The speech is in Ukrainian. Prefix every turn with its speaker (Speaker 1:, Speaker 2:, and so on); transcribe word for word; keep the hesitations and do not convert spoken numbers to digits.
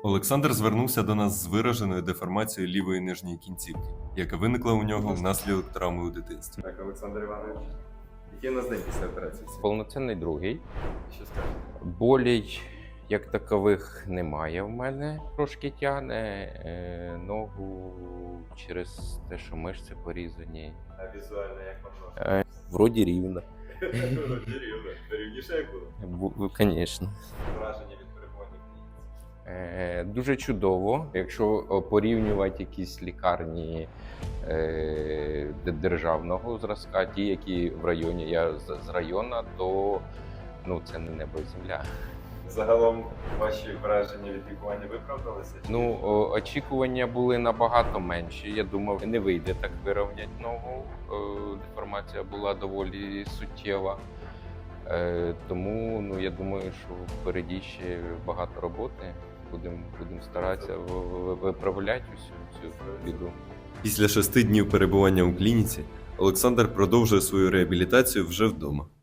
Speaker 1: Олександр звернувся до нас з вираженою деформацією лівої нижньої кінцівки, яка виникла у нього внаслідок травми у дитинстві.
Speaker 2: Так, Олександр Іванович, який у нас день після операції?
Speaker 3: Повноцінний другий.
Speaker 2: Що скажете?
Speaker 3: Болей як такових немає в мене. Трошки тягне е, ногу через те, що мишці порізані.
Speaker 2: А візуально як вам
Speaker 3: Е, вроді рівно.
Speaker 2: ножка? Рівно. Рівніше як було?
Speaker 3: Звісно.
Speaker 2: Враження від перебування в клініці.
Speaker 3: Е, дуже чудово. Якщо о, порівнювати якісь лікарні е, де- державного зразка, ті, які в районі, я з, з району, то ну, це не небо і земля.
Speaker 2: Загалом ваші враження від лікування виправдалися? чи-
Speaker 3: Ну, о, очікування були набагато менші. Я думав, не вийде так вирівняти ногу. Е, Деформація була доволі суттєва. Е, Тому ну, я думаю, що впереді ще багато роботи. Будемо будем старатися в- в- виправляти усю цю біду.
Speaker 1: Після шести днів перебування у клініці Олександр продовжує свою реабілітацію вже вдома.